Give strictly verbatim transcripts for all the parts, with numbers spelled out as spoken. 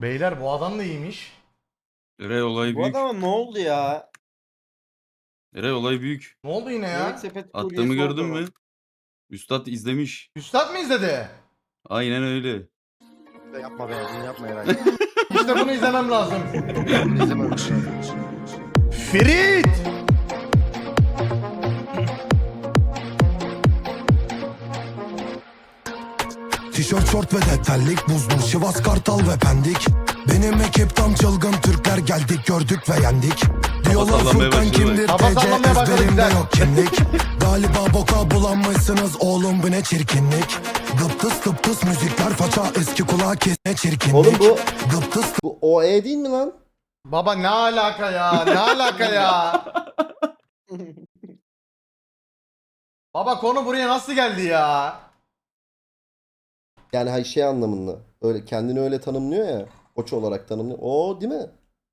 Beyler bu adam da iyiymiş. Eray olay Bu büyük. adama ne oldu ya? Eray olay büyük. Ne oldu yine Yemek ya? sepeti Attığımı kuryesi gördün oldu mü? Üstad izlemiş. Üstad mı izledi? Aynen öyle. Yapma be, bunu yapma Eray. İşte bunu izlemem lazım. Bunu izlememiş. Ferit! Tişört, şort ve detaylık, buzlu Sivas, Kartal ve Pendik. Benim ekip tam çılgın Türkler, geldik gördük ve yendik. Diyorlar sallamaya Furkan başladı. kimdir, Kafa T C sallamaya başladı, ezberimde güzel. yok kimlik. Galiba boka bulanmışsınız oğlum, bu ne çirkinlik. Gıptıs tıptıs müzikler, faça eski kulağa kes, ne çirkinlik. Oğlum bu Gıptıs bu O E değil mi lan? Baba ne alaka ya? Ne alaka ya? Baba konu buraya nasıl geldi ya? Yani hay şey anlamında. Öyle kendini öyle tanımlıyor ya. Koç olarak tanımlıyor. O değil mi?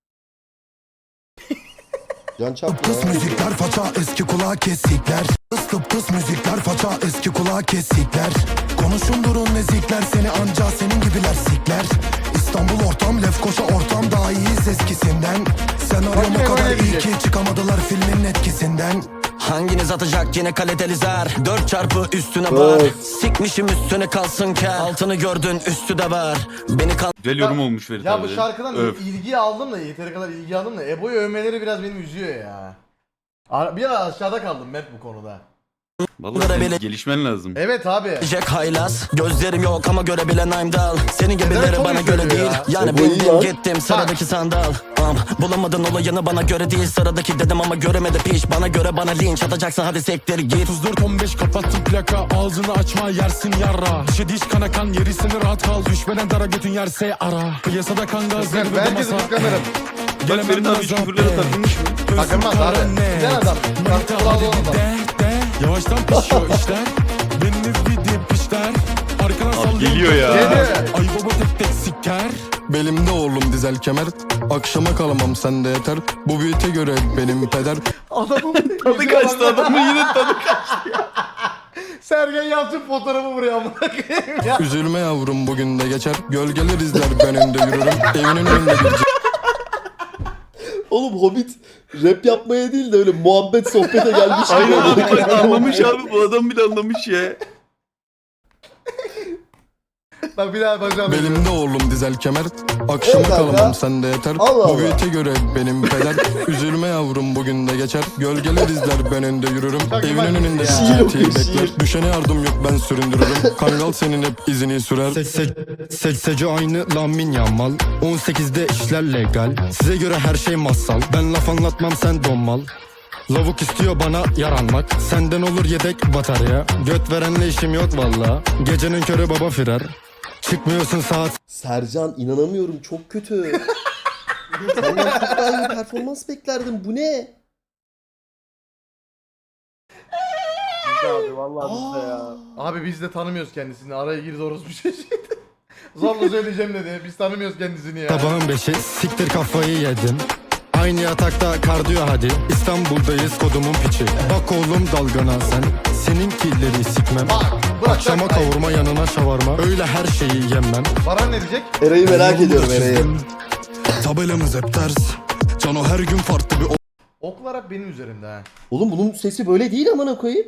Can çarpma tıptıs ya. müzikler, faça eski kulağa kesikler. Tıs tıptıs müzikler, faça eski kulağa kesikler. Konuşun durun nezikler, seni anca senin gibiler sikler. İstanbul ortam, Lefkoşa ortam, daha iyiyiz eskisinden. Senaryo Bak, o kadar öyle iyi diyecek. ki çıkamadılar filmin etkisinden. Hanginiz atacak yine kaliteli zar? Dört çarpı üstüne var. Öf. Sikmişim üstüne kalsın kel. Altını gördün üstü de var. Beni kal... Güzel yorum olmuş Ferit Ya abi. bu şarkıdan Öf. ilgi aldım da yeteri kadar ilgi aldım da Ebo'yu övmeleri biraz beni üzüyor ya. Ar- Biraz aşağıda kaldım Mert bu konuda. Vallahi senin gelişmen lazım. Evet abi. Jack haylaz. Gözlerim yok ama görebilen I'm dal. Senin Neden gibileri çok bana üzülüyor göre değil. ya? Yani E, bu iyi bildim lan. gittim sıradaki sandal. Am, bulamadın olayını bana göre değil. Sıradaki dedim ama göremedi piş. Bana göre bana linç atacaksın hadi sektir git. otuz dört on beş kapattım plaka, ağzını açma yersin yarra. Dişe diş kana kan yerisini rahat kal. Düşmeden dara götün yerse ara. Piyasada kan gaz Ben zirvede belki de masa. kıskanırım. Bak Ferit abi hiç küfürlere takılmış mı? Takılmaz abi. Güzel adam. Manita Kulağı hadi olan adam. de de. Yavaştan pişiyor işler. Beni video pişler. Arkana sallıyor. geliyor ya. Geliyor. Ay baba tek tek siker. Belimde oğlum dizel kemer. Akşama kalamam sende yeter. Bu büyüte göre benim peder. Adamın Tadı kaçtı adamın yine tadı kaçtı. Sergen Yalçın fotoğrafı buraya amına koyayım ya. Üzülme yavrum bugün de geçer. Gölgeler izler ben önde yürürüm. Evinin önünde bir Oğlum Hobbit rap yapmaya değil de öyle muhabbet sohbete gelmiş. gibi Aynen oldu. abi anlamış abi bu adam bile anlamış ya. Bak bir daha bakacağım. Belimde oğlum dizel kemer. Akşama Evet kanka. kalamam sende yeter. Allah Allah. Bu büyüte göre benim peder. Üzülme yavrum bugün de geçer. Gölgeler izler ben önde yürürüm. Çok iyi Evinin bakmış önünde ya. Şiir G okuyor, T şiir. bekler. Düşene yardım yok ben süründürürüm. Kangal senin hep izini sürer. Sekseci aynı Lamin Yamal. on sekizde işler legal. Size göre her şey masal. Ben laf anlatmam sen donmal. Lavuk istiyor bana yaranmak. Senden olur yedek batarya. Göt verenle işim yok valla. Gecenin körü baba firar. Çıkmıyorsun saat Sercan inanamıyorum çok kötü. Senden çok daha iyi performans beklerdim. Bu ne? Abi vallahi bizde ya. Abi biz de tanımıyoruz kendisini. Araya girdi orospu çocuğu. Zorla söyleyeceğim dedi. Biz tanımıyoruz kendisini ya. sabahın beşi siktir kafayı yedim. Aynı yatakta kardiyo hadi. İstanbul'dayız kodumun piçi. Bak oğlum dalgana sen. Seninkileri sikmem. Bak bırak. Akşama bak. kavurma yanına şavarma. Öyle her şeyi yemem. Baran ne diyecek? Eray'ı merak ediyorum Eray'ı. Tabelamız hep ters. Cano her gün farklı bir Oklar hep benim üzerimde ha. Oğlum bunun sesi böyle değil amına koyayım.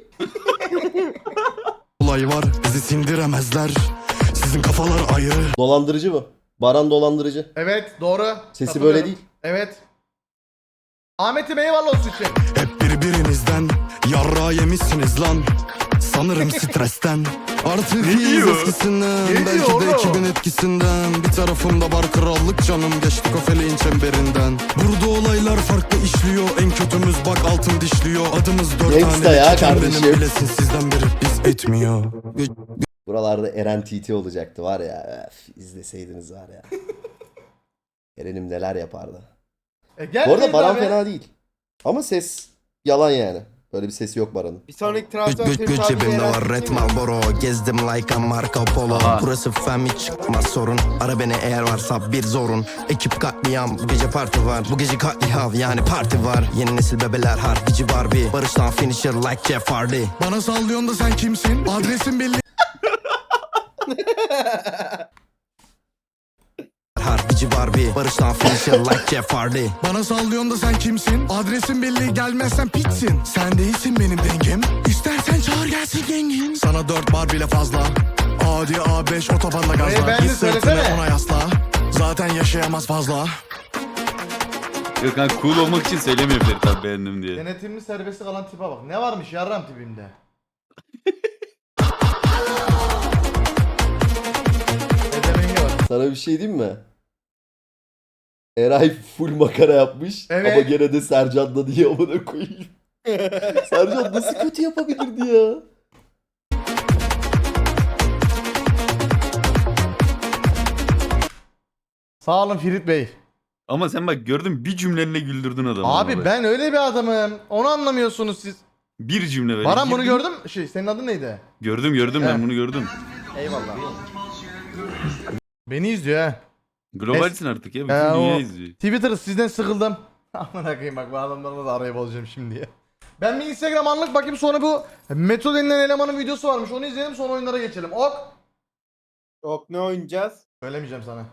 olay var. Bizi sindiremezler. Sizin kafalar ayrı. Dolandırıcı bu. Baran dolandırıcı. Evet doğru. Sesi Katılıyorum. böyle değil. Evet. Ahmet'im eyvallah olsun için. Hep birbirinizden yarra yemişsiniz lan. Sanırım stresten. Artık Ne iyiyiz diyor? eskisinden. Ne Belki diyor de oğlum? ekibin etkisinden. Bir tarafımda var krallık canım. Geçtik o feleğin çemberinden. Burada olaylar farklı işliyor. En kötümüz bak altın dişliyor. Adımız dört Gangsta tane. ya Çeken kardeşim. benim bilesin sizden biri. Biz etmiyor. Buralarda Eren T T olacaktı var ya. Öf, izleseydiniz var ya. Eren'im neler yapardı. E, gel Bu arada Feyz Baran abi. fena değil. Ama ses yalan yani. Böyle bir sesi yok Baran'ın. Bir sonraki Güç transfer güç Ferit güç abi cebimde Eren var Red değil mi? Marlboro. Gezdim like a Marco Polo. Aha. Burası fem hiç çıkmaz sorun. Ara beni eğer varsa bir zorun. Ekip katliam bu gece parti var. Bu gece katliam yani parti var. Yeni nesil bebeler harbici Barbie. Barıştan finisher like Jeff Hardy. Bana sallıyorsun da sen kimsin? Adresin belli. Harbici Gici Barbie Barış'tan finisher like Jeff Hardy. Bana sallıyorsun da sen kimsin? Adresin belli, gelmezsen pitsin. Sen değilsin benim dengim. İstersen çağır gelsin gengin. Sana dört bar bile fazla. Adi A beş otobanda Ee, gazla. ben de Git sırtını söylesene. ona yasla. Zaten yaşayamaz fazla. Yok kanka cool olmak için söylemiyor Ferit abi beğendim diye. Denetimli serbest kalan tipe bak. Ne varmış yarram tipimde? Edemenge var. Sana bir şey diyeyim mi? Eray full makara yapmış Evet. ama gene de Sercan'da diye amına koyayım. Sercan nasıl kötü yapabilirdi ya? Sağ olun Ferit Bey. Ama sen bak gördün bir cümlenle güldürdün adamı. Abi bak. ben öyle bir adamım. Onu anlamıyorsunuz siz. Bir cümle böyle. Baran bunu girdin. gördün mü? Şey senin adın neydi? Gördüm gördüm ben He. bunu gördüm. Eyvallah. Beni izliyor ha. Globalsin artık ya. Bütün He, dünya o- izliyor. Twitter sizden sıkıldım. Aman akıyım bak bu adamlarla da araya bozacağım şimdi ya. Ben bir Instagram anlık bakayım sonra bu Meto denilen elemanın videosu varmış onu izleyelim sonra oyunlara geçelim. Ok. Yok ne oynayacağız? Söylemeyeceğim sana.